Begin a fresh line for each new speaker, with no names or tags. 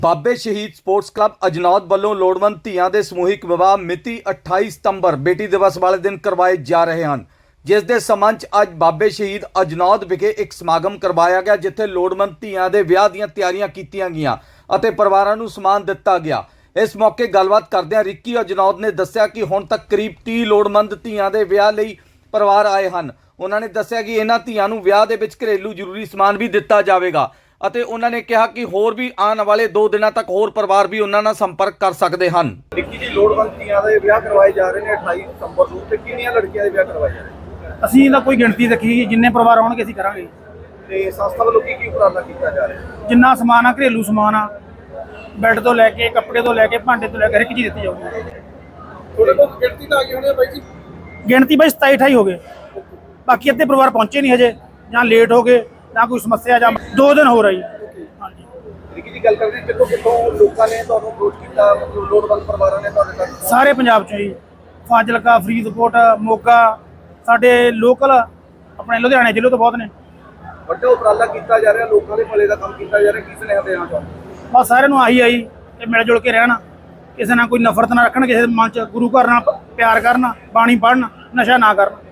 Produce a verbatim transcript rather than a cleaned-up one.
ਬਾਬੇ ਸ਼ਹੀਦ sports club ਅਜਨੌਦ ਵੱਲੋਂ ਲੋੜਵੰਦ ਧੀਆਂ ਦੇ ਸਮੂਹਿਕ ਵਿਵਾਹ ਮਿਤੀ ਅਠਾਈ ਸਤੰਬਰ ਬੇਟੀ ਦਿਵਸ ਵਾਲੇ ਦਿਨ ਕਰਵਾਏ ਜਾ ਰਹੇ ਹਨ, ਜਿਸ ਦੇ ਸੰਬੰਧ 'ਚ ਅੱਜ ਬਾਬੇ ਸ਼ਹੀਦ ਅਜਨੌਦ ਵਿਖੇ ਇੱਕ ਸਮਾਗਮ ਕਰਵਾਇਆ ਗਿਆ, ਜਿੱਥੇ ਲੋੜਵੰਦ ਧੀਆਂ ਦੇ ਵਿਆਹ ਦੀਆਂ ਤਿਆਰੀਆਂ ਕੀਤੀਆਂ ਗਈਆਂ ਅਤੇ ਪਰਿਵਾਰਾਂ ਨੂੰ ਸਮਾਨ ਦਿੱਤਾ ਗਿਆ। ਇਸ ਮੌਕੇ ਗੱਲਬਾਤ ਕਰਦਿਆਂ ਰਿੱਕੀ ਅਜਨੌਦ ਨੇ ਦੱਸਿਆ ਕਿ ਹੁਣ ਤੱਕ ਕਰੀਬ ਤੀਹ ਲੋੜਵੰਦ ਧੀਆਂ ਦੇ ਵਿਆਹ ਲਈ ਪਰਿਵਾਰ ਆਏ ਹਨ। ਉਹਨਾਂ ਨੇ ਦੱਸਿਆ ਕਿ ਇਹਨਾਂ ਧੀਆਂ ਨੂੰ ਵਿਆਹ ਦੇ ਵਿੱਚ ਘਰੇਲੂ ਜ਼ਰੂਰੀ ਸਮਾਨ ਵੀ ਦਿੱਤਾ ਜਾਵੇਗਾ ਅਤੇ ਉਹਨਾਂ ਨੇ ਕਿਹਾ ਕਿ ਹੋਰ ਵੀ ਆਉਣ ਵਾਲੇ ਦੋ ਦਿਨਾਂ ਤੱਕ ਹੋਰ ਪਰਿਵਾਰ ਵੀ ਉਹਨਾਂ ਨਾਲ ਸੰਪਰਕ ਕਰ ਸਕਦੇ ਹਨ।
ਰਿੱਕੀ ਜੀ, ਲੋੜਵੰਦ ਧੀਆਂ ਦੇ ਵਿਆਹ ਕਰਵਾਏ ਜਾ ਰਹੇ ਨੇ ਅਠਾਈ ਸਤੰਬਰ ਨੂੰ, ਤੇ ਕਿੰਨੀਆਂ ਲੜਕੀਆਂ ਦੇ ਵਿਆਹ ਕਰਵਾਏ ਜਾ ਰਹੇ ਨੇ?
ਅਸੀਂ ਇਹਦਾ ਕੋਈ ਗਿਣਤੀ ਰੱਖੀ, ਜਿੰਨੇ ਪਰਿਵਾਰ ਆਉਣਗੇ ਅਸੀਂ ਕਰਾਂਗੇ।
ਤੇ ਸੰਸਥਾ ਵੱਲੋਂ ਕੀ ਕੀ ਉਪਰਾਲਾ ਕੀਤਾ ਜਾ ਰਿਹਾ?
ਜਿੰਨਾ ਸਮਾਨ ਆ, ਘਰੇਲੂ ਸਮਾਨ ਆ, ਬੈੱਡ ਤੋਂ ਲੈ ਕੇ ਕੱਪੜੇ ਤੋਂ ਲੈ ਕੇ ਭਾਂਡੇ ਤੋਂ ਲੈ ਕੇ ਹਰ ਇੱਕ ਚੀਜ਼ ਦਿੱਤੀ ਜਾਊਗੀ।
ਥੋੜੇ ਬਹੁਤ ਗਿਣਤੀ ਤਾਂ ਆ ਗਈ ਹੋਣੀ ਆ ਬਾਈ ਜੀ?
ਗਿਣਤੀ ਬਾਈ ਸਤਾਈ ਅਠਾਈ ਹੋ ਗਏ, ਬਾਕੀ ਅੱਧੇ ਪਰਿਵਾਰ ਪਹੁੰਚੇ ਨਹੀਂ ਹਜੇ, ਜਾਂ ਲੇਟ ਹੋ ਗਏ ਜਾਂ ਕੋਈ ਸਮੱਸਿਆ, ਜਾਂ ਦੋ ਦਿਨ ਹੋ ਰਹੀ। ਹਾਂਜੀ,
ਰਿੱਕੀ ਜੀ, ਗੱਲ ਕਰਦੇ ਹਾਂ ਕਿੱਥੋਂ ਕਿੱਥੋਂ ਲੋਕਾਂ ਨੇ ਤੁਹਾਨੂੰ ਅਪਰੋਚ ਕੀਤਾ, ਲੋੜਵੰਦ ਪਰਿਵਾਰਾਂ ਨੇ ਤੁਹਾਡੇ ਤੱਕ?
ਸਾਰੇ ਪੰਜਾਬ ਚੋਂ ਜੀ, ਫਾਜ਼ਿਲਕਾ, ਫਰੀਦਕੋਟ, ਮੋਗਾ, ਸਾਡੇ ਲੋਕਲ ਆਪਣੇ ਲੁਧਿਆਣੇ ਜ਼ਿਲ੍ਹੇ ਤੋਂ ਬਹੁਤ ਨੇ।
ਵੱਡਾ ਉਪਰਾਲਾ ਕੀਤਾ ਜਾ ਰਿਹਾ, ਲੋਕਾਂ ਦੇ ਭਲੇ ਦਾ ਕੰਮ ਕੀਤਾ ਜਾ ਰਿਹਾ, ਕਿਸ ਨੇ ਦੇਣਾ ਚਾਹੁੰਦੇ?
ਬਸ ਸਾਰਿਆਂ ਨੂੰ ਆਹੀ ਆਈ ਕਿ ਮਿਲ ਜੁਲ ਕੇ ਰਹਿਣ, ਕਿਸੇ ਨਾਲ ਕੋਈ ਨਫ਼ਰਤ ਨਾ ਰੱਖਣ, ਕਿਸੇ ਦੇ ਮਨ 'ਚ ਗੁਰੂ ਘਰ ਨਾਲ ਪਿਆਰ ਕਰਨ, ਬਾਣੀ ਪੜ੍ਹਨ, ਨਸ਼ਾ ਨਾ ਕਰਨ।